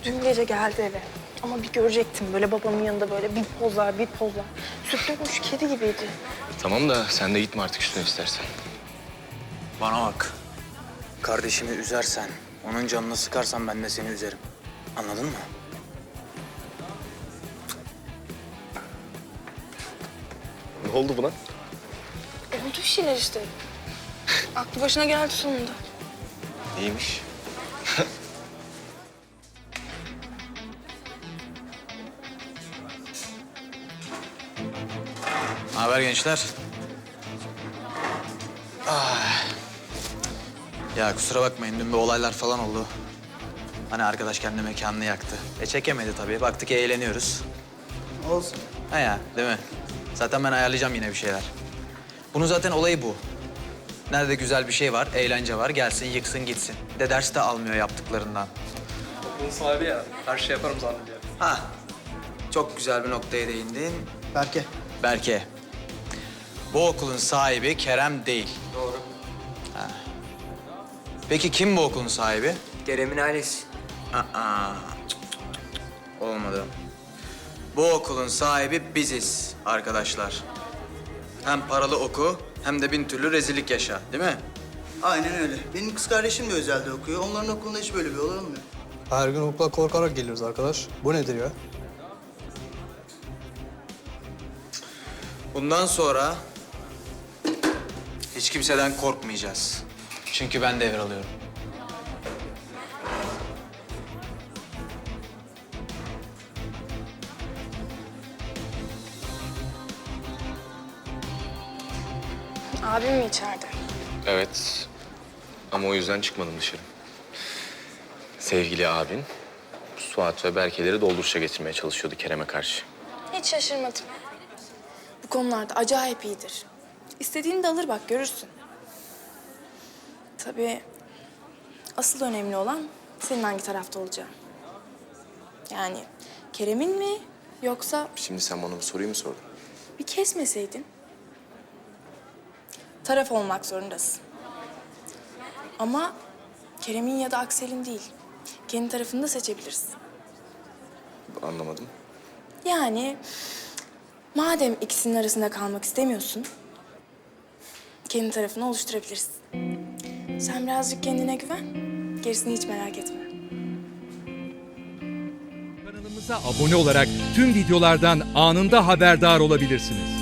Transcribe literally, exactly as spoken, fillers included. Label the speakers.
Speaker 1: Dün gece geldi eve. Ama bir görecektim böyle babamın yanında böyle bir pozlar bir pozlar. Süt dökmüş kedi gibiydi.
Speaker 2: Tamam da sen de gitme artık üstüne istersen.
Speaker 3: Bana bak. Kardeşimi üzersen, onun canını sıkarsan ben de seni üzerim. Anladın mı?
Speaker 2: Ne oldu buna?
Speaker 1: Oldu bir şeyler işte. Aklı başına geldi sonunda.
Speaker 2: İyiymiş.
Speaker 3: Ne haber gençler? Ah. Ya kusura bakmayın, dün bir olaylar falan oldu. Hani arkadaş kendi mekanını yaktı. E çekemedi tabii, baktık eğleniyoruz. Olsun. Ha ya, değil mi? Zaten ben ayarlayacağım yine bir şeyler. Bunun zaten olayı bu. Nerede güzel bir şey var, eğlence var, gelsin yıksın gitsin. Bir de ders de almıyor yaptıklarından.
Speaker 4: Bunun sahibi ya. Her şey yaparım zannediyor.
Speaker 3: Ha, çok güzel bir noktaya değindin.
Speaker 5: Berke.
Speaker 3: Berke. Bu okulun sahibi Kerem değil.
Speaker 5: Doğru.
Speaker 3: Peki kim bu okulun sahibi?
Speaker 5: Kerem'in ailesi.
Speaker 3: Aa, cık, cık, cık. Olmadı. Bu okulun sahibi biziz arkadaşlar. Hem paralı oku hem de bin türlü rezillik yaşa, değil mi?
Speaker 6: Aynen öyle. Benim kız kardeşim de özelde okuyor. Onların okulunda hiç böyle bir olay olmuyor.
Speaker 4: Her gün okula korkarak geliyoruz arkadaş. Bu nedir ya?
Speaker 3: Bundan sonra hiç kimseden korkmayacağız. Çünkü ben devralıyorum.
Speaker 1: Abim mi içeride?
Speaker 2: Evet. Ama o yüzden çıkmadım dışarı. Sevgili abin Suat ve Berke'leri dolduruşa getirmeye çalışıyordu Kerem'e karşı.
Speaker 1: Hiç şaşırmadım. Bu konularda acayip iyidir. İstediğini de alır bak görürsün. Tabii asıl önemli olan senin hangi tarafta olacağın. Yani Kerem'in mi yoksa
Speaker 2: Şimdi sen bana bu soruyu mu sordun?
Speaker 1: bir kesmeseydin? Taraf olmak zorundasın. Ama Kerem'in ya da Aksel'in değil. Kendi tarafını da seçebilirsin.
Speaker 2: Anlamadım.
Speaker 1: Yani madem ikisinin arasında kalmak istemiyorsun, kendi tarafını oluşturabilirsin. Sen birazcık kendine güven, gerisini hiç merak etme.
Speaker 7: Kanalımıza abone olarak tüm videolardan anında haberdar olabilirsiniz.